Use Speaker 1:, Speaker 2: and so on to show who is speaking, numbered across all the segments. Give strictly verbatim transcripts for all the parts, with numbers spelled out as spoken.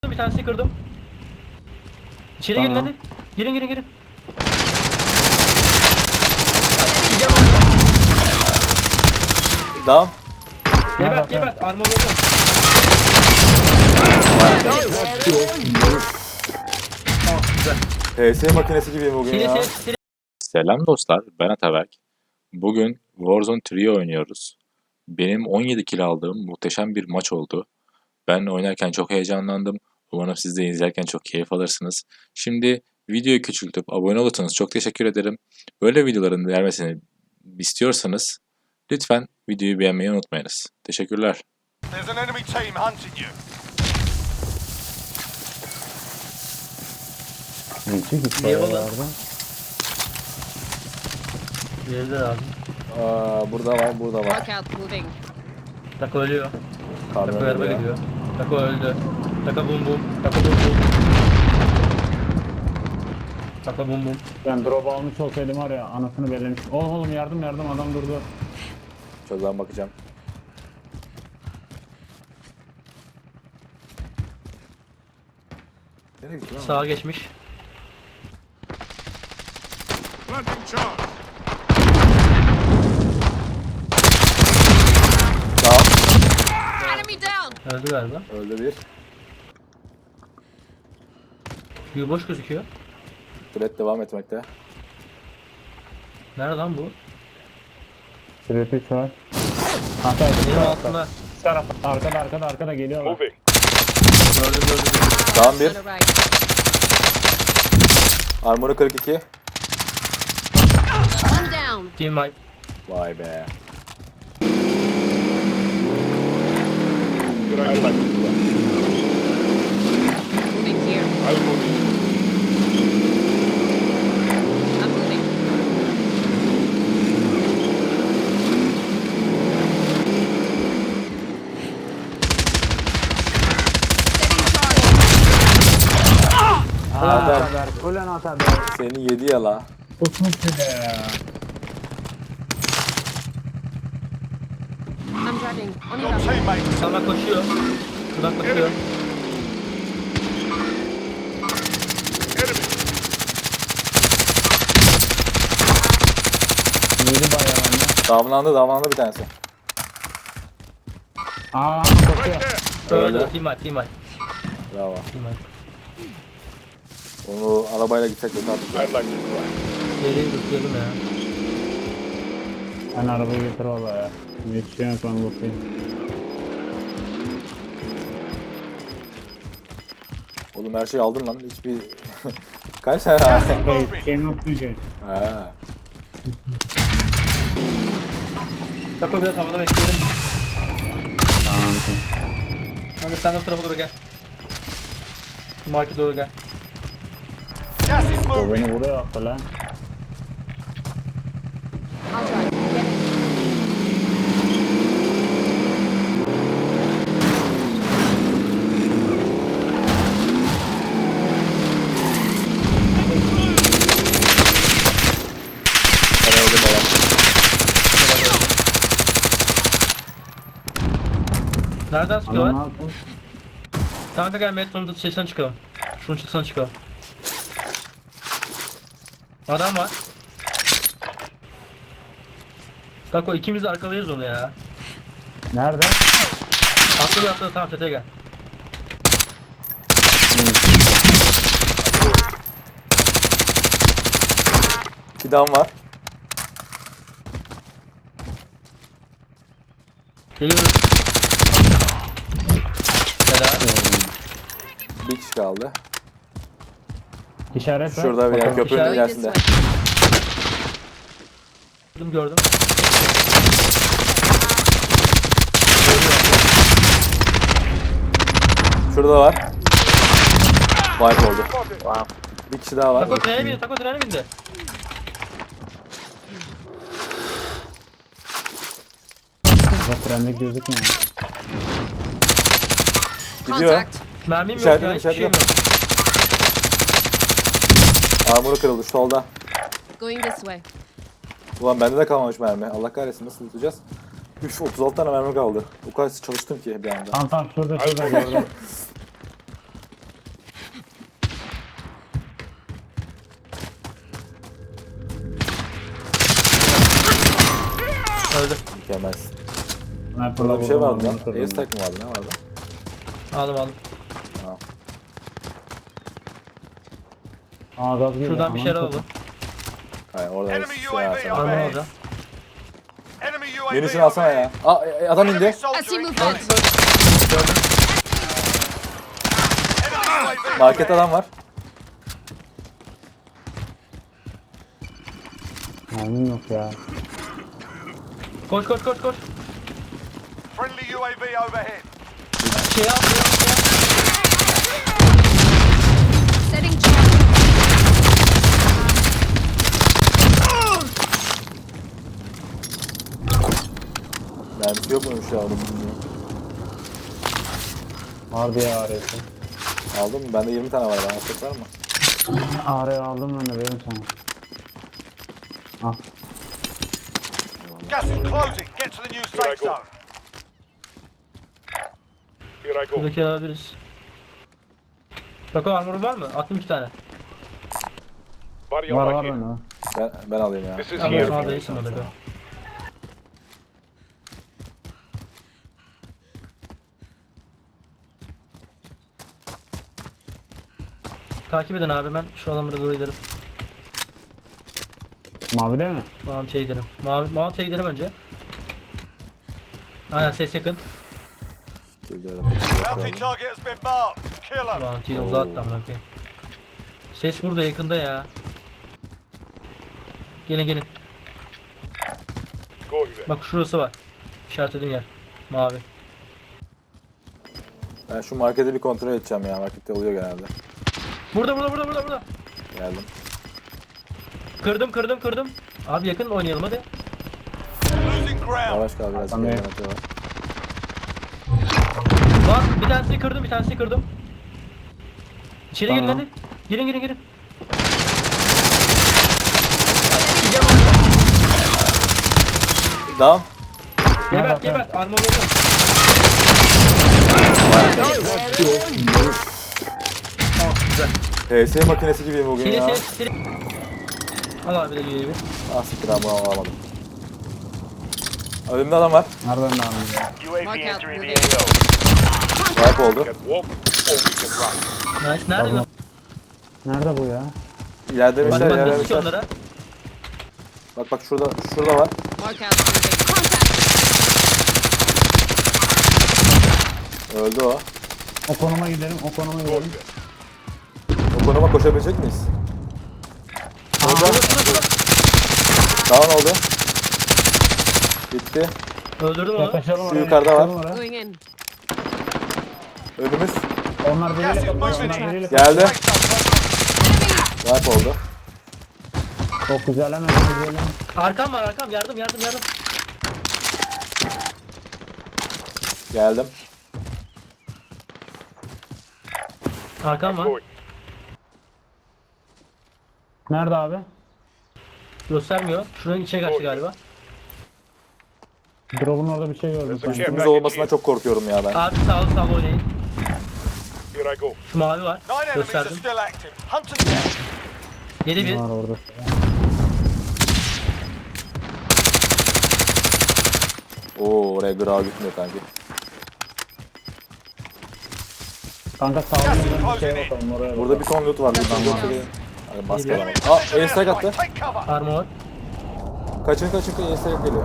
Speaker 1: Bir tanesini kırdım. İçeri girin
Speaker 2: Tamam.
Speaker 1: hadi. Girin girin girin.
Speaker 2: Devam.
Speaker 1: Gebert gebert. Armor oldu. Tamam güzel.
Speaker 2: P S makinesi gibiyim bugün
Speaker 1: Sili
Speaker 2: ya.
Speaker 1: sili sili.
Speaker 3: Selam dostlar, ben Ataberk. Bugün Warzone Trio oynuyoruz. Benim on yedi kill aldığım muhteşem bir maç oldu. Ben oynarken çok heyecanlandım. Umarım siz de izlerken çok keyif alırsınız. Şimdi videoyu küçültüp abone olursanız çok teşekkür ederim. Böyle videoların gelmesini istiyorsanız lütfen videoyu beğenmeyi unutmayınız. Teşekkürler.
Speaker 4: There's an enemy team hunting you.
Speaker 2: Müthiş bir
Speaker 1: Niye
Speaker 2: para
Speaker 1: oğlum?
Speaker 2: vardı.
Speaker 1: Diğeri de lazım.
Speaker 2: Aa, burada var, burada var.
Speaker 5: Look out, moving.
Speaker 1: Tako ölüyor. Tako
Speaker 2: Kamyon
Speaker 1: araba
Speaker 2: geliyor.
Speaker 1: gidiyor. Tako öldü. Tako bum bum. Tako bum bum. Tako bum bum.
Speaker 6: Ben drop almış olsaydım var ya anasını bellemiş. Oğlum oğlum yardım yardım adam durdu.
Speaker 2: Şuradan bakacağım. Nereye gitti lan?
Speaker 1: Sağa geçmiş.
Speaker 4: Planting charge.
Speaker 2: Tamam.
Speaker 5: Enemy down!
Speaker 1: Öldü galiba.
Speaker 2: Öldü bir.
Speaker 1: Q boş gözüküyor.
Speaker 2: Threat devam etmekte.
Speaker 1: Nerede lan bu?
Speaker 6: Süreti üç var. Hatta
Speaker 1: Benim altında.
Speaker 6: şu taraf arkada arkada arkada geliyorlar.
Speaker 4: Moving.
Speaker 1: Gördüm gördüm. gördüm.
Speaker 2: Tamam
Speaker 5: On
Speaker 2: bir.
Speaker 5: the right.
Speaker 2: Armoru kırk iki.
Speaker 5: One down.
Speaker 1: Team wipe.
Speaker 2: Vay be.
Speaker 5: Moving here. I'm moving. Setting charge.
Speaker 2: Adam
Speaker 6: Haber. Ulan Ataber.
Speaker 2: seni yedi ya la.
Speaker 6: Kusmuş bir de ya.
Speaker 5: I'm driving. On your
Speaker 4: Your
Speaker 5: left.
Speaker 4: teammate.
Speaker 1: Sana koşuyor. Şuradan koşuyor.
Speaker 4: Enemy.
Speaker 6: Yedi bayağı anne.
Speaker 2: Damlandı damlandı bir tanesi.
Speaker 6: Aa koşuyor.
Speaker 4: Right there.
Speaker 1: Öldü.
Speaker 2: Öldü.
Speaker 1: Team wipe. Team wipe.
Speaker 2: Bravo.
Speaker 1: Team wipe.
Speaker 2: Onu arabayla gitsek de tatlı.
Speaker 4: I'd like to
Speaker 1: Geriye tutuyordum ya.
Speaker 6: Ben arabayı getir valla ya. Yetişiyorum sonra bakayım.
Speaker 2: Oğlum her şeyi aldın lan. Hiçbir... Kaç tane aldın?
Speaker 6: Hey, şey not şey.
Speaker 2: Ha.
Speaker 1: Tako biraz havada bekleyelim.
Speaker 6: Tamam.
Speaker 1: Hadi sen de bu tarafa doğru gel. Market doğru gel.
Speaker 4: Gas is
Speaker 6: O
Speaker 4: moving.
Speaker 6: beni vuruyor attı lan.
Speaker 5: I'll drive. Get it.
Speaker 2: Ben öldüm adam.
Speaker 1: Nereden
Speaker 6: Adam ne
Speaker 1: sıkıyorlar?
Speaker 6: yapmış?
Speaker 1: Kanka gel Metron'un şeysinden çıkalım. Şunun çıksan çıkalım. Adam var. Kako ikimiz de arkalayız onu ya.
Speaker 6: Nerede?
Speaker 1: Atladı atladı tamam çatıya gel.
Speaker 2: Fidan var.
Speaker 1: Geliyoruz. Helal.
Speaker 2: Bir kişi kaldı.
Speaker 6: İşaret ver.
Speaker 2: Şurada bir yer
Speaker 6: Bakalım.
Speaker 2: köprünün
Speaker 1: İşaret
Speaker 5: Going this
Speaker 2: ilerisinde.
Speaker 5: way.
Speaker 1: Gördüm gördüm.
Speaker 2: Şurada var. Wipe oldu. Bir kişi daha var.
Speaker 1: Tako trene bindi, Tako trene bindi.
Speaker 6: Bak trende gözükmüyor.
Speaker 2: Gidiyor.
Speaker 5: Contact.
Speaker 1: Mermim yok
Speaker 2: İçeride
Speaker 1: ya,
Speaker 2: mi,
Speaker 1: hiçbir şeyim
Speaker 2: içeride
Speaker 1: yok.
Speaker 2: Armoru kırıldı solda.
Speaker 5: Going this way.
Speaker 2: Ulan bende de kalmamış mermi. Allah kahretsin nasıl tutacağız? Üf otuz altı tane mermi kaldı. O kadar çalıştım ki bir anda.
Speaker 6: Tamam tamam şurada şurada gördüm.
Speaker 2: Mükemmelsin.
Speaker 6: Sniper'la
Speaker 2: Burada bir şey
Speaker 6: vurdum,
Speaker 2: vardı lan.
Speaker 6: adamı kırdım.
Speaker 2: Airstrike mi vardı? Ne vardı?
Speaker 1: Aldım aldım.
Speaker 6: Aa gaz geliyor.
Speaker 1: Şuradan bir
Speaker 6: Aman
Speaker 1: şeyler
Speaker 6: çok-
Speaker 1: alalım.
Speaker 2: Hayır orada
Speaker 4: Enemy
Speaker 2: şey
Speaker 4: U A V
Speaker 2: var.
Speaker 1: Armor
Speaker 4: overhead.
Speaker 1: alacağım.
Speaker 4: Enemy U A V
Speaker 2: Yenisini alsana
Speaker 4: overhead.
Speaker 2: ya. Aa e, adam
Speaker 4: Enemy
Speaker 2: indi.
Speaker 5: I
Speaker 4: soldier
Speaker 5: see
Speaker 4: incoming.
Speaker 5: movement.
Speaker 1: Gördüm.
Speaker 4: Enemy U A V
Speaker 2: Markette
Speaker 4: overhead.
Speaker 2: adam var.
Speaker 6: Mermim yok ya.
Speaker 1: Koş koş koş koş.
Speaker 4: Friendly U A V overhead.
Speaker 1: Şey al, şey al, şey al.
Speaker 5: Setting charge.
Speaker 2: Mermisi yok muymuş ya onu bilmiyorum.
Speaker 6: Vardı ya arayısı.
Speaker 2: Aldın mı? Bende yirmi tane var. Bana tek var mı?
Speaker 6: Arayı aldım ben de verim sana. Al.
Speaker 4: Gas is closing. Get to the new safe zone. Here I go.
Speaker 1: Buradaki alabiliriz. Bako armorun var mı? Attım iki tane.
Speaker 4: Body
Speaker 6: Var var bende.
Speaker 2: Ben, ben alayım ya.
Speaker 4: This is
Speaker 1: Ama
Speaker 4: here.
Speaker 1: şu anda iyisin orada. Takip edin abi, ben şu adamlara doğru giderim.
Speaker 6: Mavi değil mi?
Speaker 1: Mount'e giderim. Mavi, Mount'e giderim önce. Aynen, ses yakın.
Speaker 2: Gidiyorum.
Speaker 4: Bounty target has been marked. Kill him.
Speaker 1: Mount'e uzattım bakayım. Ses burada yakında ya. Gelin gelin.
Speaker 4: Go you there.
Speaker 1: Bak şurası var. İşaretlediğim yer. Mavi.
Speaker 2: Ben şu marketi bir kontrol edeceğim ya. Markette oluyor genelde.
Speaker 1: Burada burada burada burada burada.
Speaker 2: Geldim.
Speaker 1: Kırdım kırdım kırdım. Abi yakın oynayalım hadi.
Speaker 4: Losing ground.
Speaker 2: Yavaş kal biraz.
Speaker 6: Tamam.
Speaker 2: Tamam. Var.
Speaker 1: Bak bir tanesini kırdım, bir tanesini kırdım. İçeri girin
Speaker 6: Tamam.
Speaker 1: hadi. Girin girin girin.
Speaker 2: Down.
Speaker 1: Gebert gebert. Armor oldu. Tamam güzel.
Speaker 2: P S makinesi gibiyim bugün
Speaker 1: Sili
Speaker 2: ya.
Speaker 1: sili sili. Al abi de gibi.
Speaker 2: Ah siktir abi bunu alamadım. Önümde adam var.
Speaker 6: Nereden de aldım ya?
Speaker 5: Mark out moving.
Speaker 2: Wipe oldu.
Speaker 4: Walk or we can run.
Speaker 1: Nice. Nerede?
Speaker 6: Tamam. Nerede bu ya?
Speaker 2: İleride bir
Speaker 1: Bak
Speaker 2: şey,
Speaker 1: bak
Speaker 2: ileride
Speaker 1: nasıl
Speaker 2: bir
Speaker 1: ki
Speaker 2: şey.
Speaker 1: onlara.
Speaker 2: Bak bak şurada, şurada var.
Speaker 5: Mark out moving. Contact.
Speaker 2: Öldü o.
Speaker 6: O konuma gidelim, o konuma gidelim.
Speaker 2: O konuma koşabilecek miyiz? Burada.
Speaker 1: Şurada şurada şurada.
Speaker 2: Down oldu. Bitti.
Speaker 1: Öldürdüm onu.
Speaker 6: Yaklaşalım oraya.
Speaker 2: yukarıda var.
Speaker 6: yaklaşalım oraya.
Speaker 5: Going in.
Speaker 2: Önümüz.
Speaker 6: Onlar
Speaker 4: Gas
Speaker 6: biriyle
Speaker 4: is
Speaker 6: kapıyor,
Speaker 4: moving
Speaker 6: onlar
Speaker 4: in.
Speaker 6: biriyle
Speaker 2: Geldi.
Speaker 5: Enemy.
Speaker 2: Wipe oldu.
Speaker 6: Çok güzel hemen güzel.
Speaker 1: Arkam var arkam. Yardım yardım yardım.
Speaker 2: Geldim.
Speaker 1: Arkam var.
Speaker 6: Nerede abi?
Speaker 1: Göstermiyor. Şuranın içine kaçtı galiba.
Speaker 6: Drop'un orada bir şey gördüm.
Speaker 4: There's a
Speaker 6: Ben.
Speaker 2: Üstümüz olmasına çok korkuyorum ya ben.
Speaker 1: Abi sağlı sağlı oynayın.
Speaker 4: Here I go.
Speaker 1: Şu mavi var.
Speaker 4: Nine enemies are
Speaker 1: Gösterdim.
Speaker 4: still active. Hunt and down.
Speaker 1: Yedi bir.
Speaker 6: Var orada.
Speaker 2: Oo oraya grav gitmiyor kanki.
Speaker 6: Kanka sağ olun. Bir şeye bakalım oraya.
Speaker 2: Burada bir ton loot var. Buradan loot var. Hadi maske alalım. Aa airstrike attı.
Speaker 4: Take cover.
Speaker 1: Armor.
Speaker 2: Kaçın kaçın kaçın airstrike geliyor.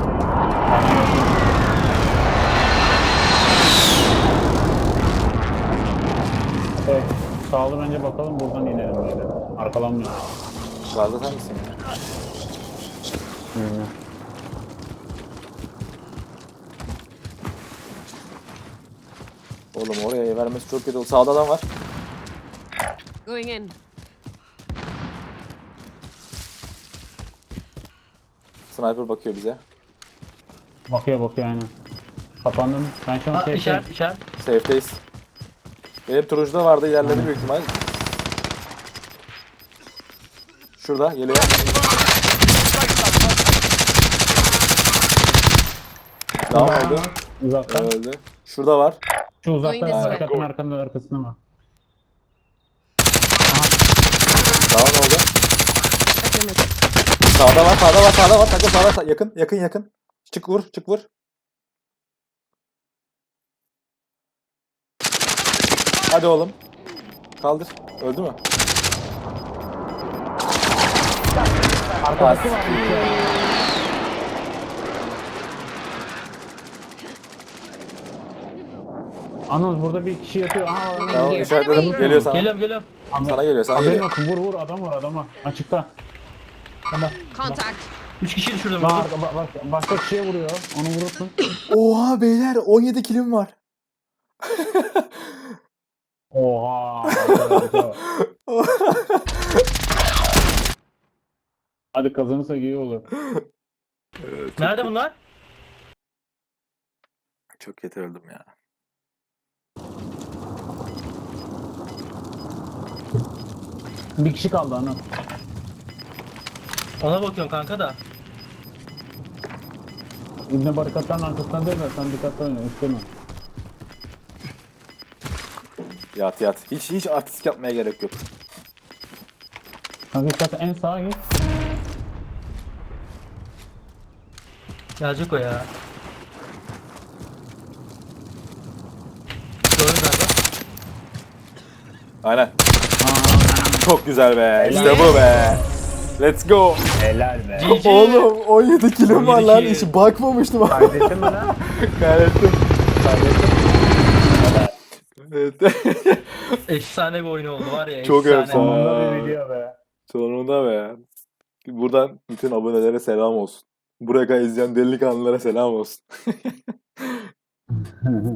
Speaker 6: Evet. Sağ olun önce bakalım buradan inelim böyle. Arkalanmıyor.
Speaker 2: Yukarıda sen misin ya?
Speaker 6: Bilmiyorum.
Speaker 2: Oğlum oraya vermesi çok kötü oldu. Sağda adam var.
Speaker 5: Going in.
Speaker 2: Sniper bakıyor bize.
Speaker 6: Bakıyor bakıyor aynen. Kapandım. Ben şu an
Speaker 1: Ha,
Speaker 6: şey
Speaker 1: işaret işaret.
Speaker 2: Safe'deyiz. Benim turuncuda vardı ilerledi büyük ihtimal. Şurada geliyor. Down oldu.
Speaker 6: uzaktan.
Speaker 2: Öldü. Şurada var.
Speaker 6: Şu uzaktan
Speaker 5: Going this way.
Speaker 6: arkasının arkasında arkasında var.
Speaker 2: Down oldu.
Speaker 5: Affirmative.
Speaker 2: Sağda var, sağda var, sağda var. Takım sağda, sağ- yakın, yakın, yakın. Çık vur, çık vur. Hadi oğlum. Kaldır. Öldü mü?
Speaker 6: Arkadaşı var. Anıl burada bir kişi yatıyor. Aha, Anıl.
Speaker 2: Tamam işaretledim. Geliyor sana.
Speaker 1: Geliyorum geliyorum.
Speaker 2: Sana geliyor, sana
Speaker 6: Haberin
Speaker 2: geliyor.
Speaker 6: olsun. Vur vur adam var adama. Açıkta.
Speaker 1: Tamam.
Speaker 5: Contact.
Speaker 1: Üç kişi düşürdüm.
Speaker 6: Bak, bak, bak, başka kişiye vuruyor. Onu vurursun.
Speaker 2: Oha beyler on yedi kilim var.
Speaker 6: Oha. Hadi kazanırsak iyi olur.
Speaker 1: Nerede bunlar?
Speaker 2: Çok kötü öldüm ya.
Speaker 6: Bir kişi kaldı Anıl.
Speaker 1: Ona bakıyorum kanka da.
Speaker 6: İbne barikatların arkasından değil de sen dikkatli oyna. Üstüne.
Speaker 2: Yat yat. Hiç hiç artistik yapmaya gerek yok.
Speaker 6: Kanka dikkat en sağa git.
Speaker 1: Gelecek o ya. Gördün galiba.
Speaker 2: Aynen. Çok güzel be. İşte bu be. Let's go.
Speaker 6: Helal be.
Speaker 1: G G.
Speaker 2: Oğlum on yedi kilim var lan.
Speaker 1: on yedi
Speaker 2: Hiç
Speaker 1: kill.
Speaker 2: bakmamıştım.
Speaker 6: Kaydettin mi lan?
Speaker 2: Kaybettim. Evet.
Speaker 1: Efsane bir oyun oldu var ya.
Speaker 2: Çok
Speaker 1: efsane.
Speaker 2: efsane.
Speaker 6: Sonunda bir video be.
Speaker 2: Sonunda be. Buradan bütün abonelere selam olsun. Buraya kadar izleyen delikanlılara selam olsun.